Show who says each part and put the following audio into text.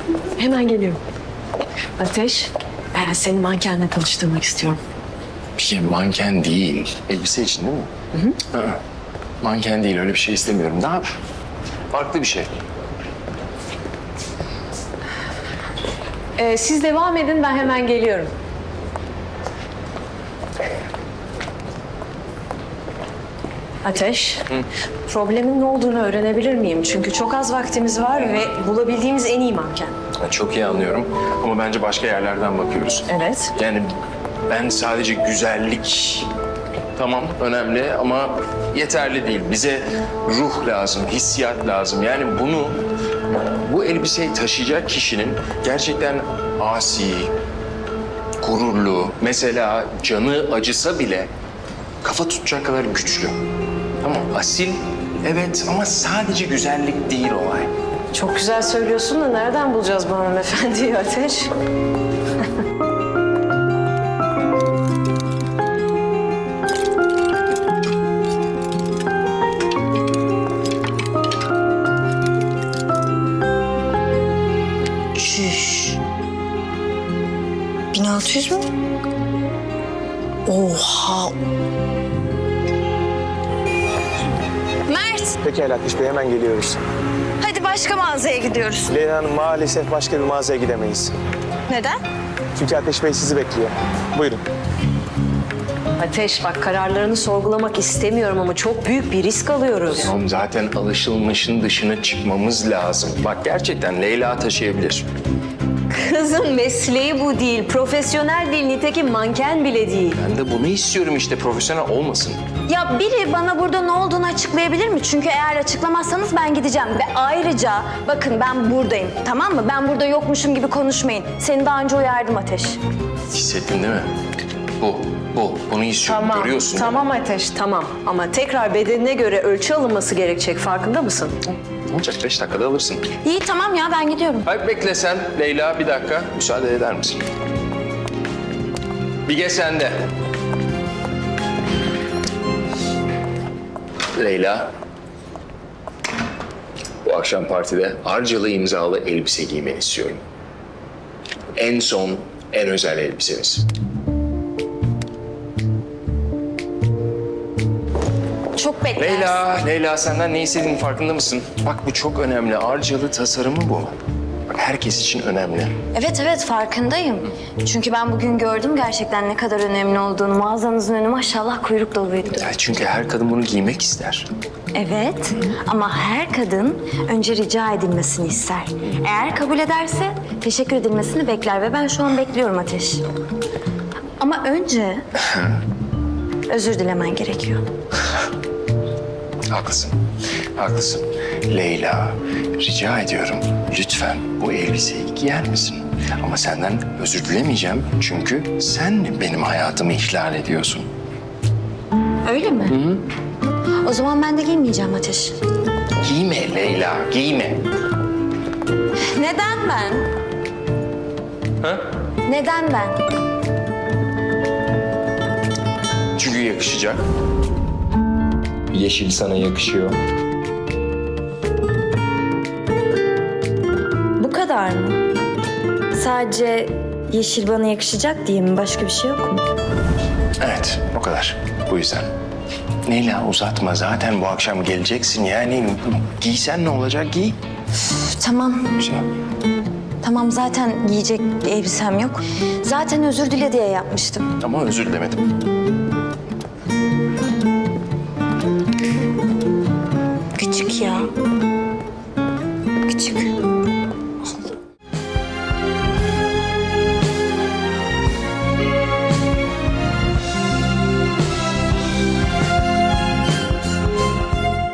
Speaker 1: Hemen geliyorum. Ateş, ben seni mankenle tanıştırmak istiyorum.
Speaker 2: Bir şey manken değil. Elbise için değil mi? Hı hı. Manken değil, öyle bir şey istemiyorum. Daha farklı bir şey.
Speaker 1: Siz devam edin, ben hemen geliyorum. Ateş, problemin ne olduğunu öğrenebilir miyim? Çünkü çok az vaktimiz var ve bulabildiğimiz en iyi manken.
Speaker 2: Çok iyi anlıyorum ama bence başka yerlerden bakıyoruz.
Speaker 1: Evet.
Speaker 2: Yani ben sadece güzellik tamam önemli ama yeterli değil. Bize ruh lazım, hissiyat lazım. Yani bu elbiseyi taşıyacak kişinin gerçekten asi, gururlu, mesela canı acısa bile kafa tutacak kadar güçlü. Tamam, asil evet ama sadece güzellik değil olay.
Speaker 1: Çok güzel söylüyorsun da nereden bulacağız bu hanımefendiyi Ateş?
Speaker 3: Çüş. 1600 mü? Oha. Mert,
Speaker 4: Pekala Ateş Bey, hemen geliyoruz.
Speaker 3: hadi başka mağazaya gidiyoruz.
Speaker 4: Leyla Hanım, maalesef başka bir mağazaya gidemeyiz.
Speaker 3: Neden?
Speaker 4: Çünkü Ateş Bey sizi bekliyor. Buyurun.
Speaker 1: Ateş bak, kararlarını sorgulamak istemiyorum ama çok büyük bir risk alıyoruz.
Speaker 2: Tamam, zaten alışılmışın dışına çıkmamız lazım. Bak gerçekten Leyla taşıyabilir.
Speaker 1: Kızın mesleği bu değil, profesyonel değil, nitekim manken bile değil.
Speaker 2: Ben de bunu istiyorum işte, profesyonel olmasın.
Speaker 3: Ya biri bana burada ne olduğunu açıklayabilir mi? Çünkü eğer açıklamazsanız ben gideceğim. Ve ayrıca bakın ben buradayım, tamam mı? Ben burada yokmuşum gibi konuşmayın. Seni daha önce uyardım Ateş.
Speaker 2: Hissettin değil mi? Bunu istiyorum, görüyorsun.
Speaker 1: Tamam Ateş, tamam. Ama tekrar bedenine göre ölçü alınması gerekecek, farkında mısın?
Speaker 2: Ne olacak, 5 dakikada alırsın.
Speaker 3: İyi tamam ya ben gidiyorum.
Speaker 2: Hayır bekle sen Leyla, bir dakika. Müsaade eder misin? Bige sende. Leyla. Bu akşam partide harcalı imzalı elbise giymeni istiyorum. En son, en özel elbisemiz.
Speaker 3: Çok beklersin.
Speaker 2: Leyla senden ne istediğinin farkında mısın? Bak bu çok önemli. Harcalı tasarımı bu. Bak herkes için önemli.
Speaker 3: Evet farkındayım. Çünkü ben bugün gördüm gerçekten ne kadar önemli olduğunu. Mağazanızın önü maşallah kuyruk doluydu.
Speaker 2: Ya çünkü her kadın bunu giymek ister.
Speaker 3: Evet ama her kadın önce rica edilmesini ister. Eğer kabul ederse teşekkür edilmesini bekler ve ben şu an bekliyorum Ateş. Ama önce özür dilemen gerekiyor.
Speaker 2: Haklısın. Haklısın. Leyla, rica ediyorum. Lütfen bu elbiseyi giyer misin? Ama senden özür dilemeyeceğim. Çünkü sen benim hayatımı ihlal ediyorsun.
Speaker 3: Öyle mi? Hı. O zaman ben de giymeyeceğim Ateş.
Speaker 2: Giyme Leyla, giyme.
Speaker 3: Neden ben?
Speaker 2: Ha?
Speaker 3: Neden ben?
Speaker 2: Çünkü yakışacak. Yeşil sana yakışıyor.
Speaker 3: Bu kadar mı? Sadece yeşil bana yakışacak diye mi? Başka bir şey yok mu?
Speaker 2: Evet, o kadar. Bu yüzden. Leyla uzatma. Zaten bu akşam geleceksin. Yani giysen ne olacak? Giy.
Speaker 3: Tamam.
Speaker 2: Şey.
Speaker 3: Tamam zaten giyecek bir elbisem yok. Zaten özür dile diye yapmıştım.
Speaker 2: Ama özür dilemedim.
Speaker 3: Küçük ya.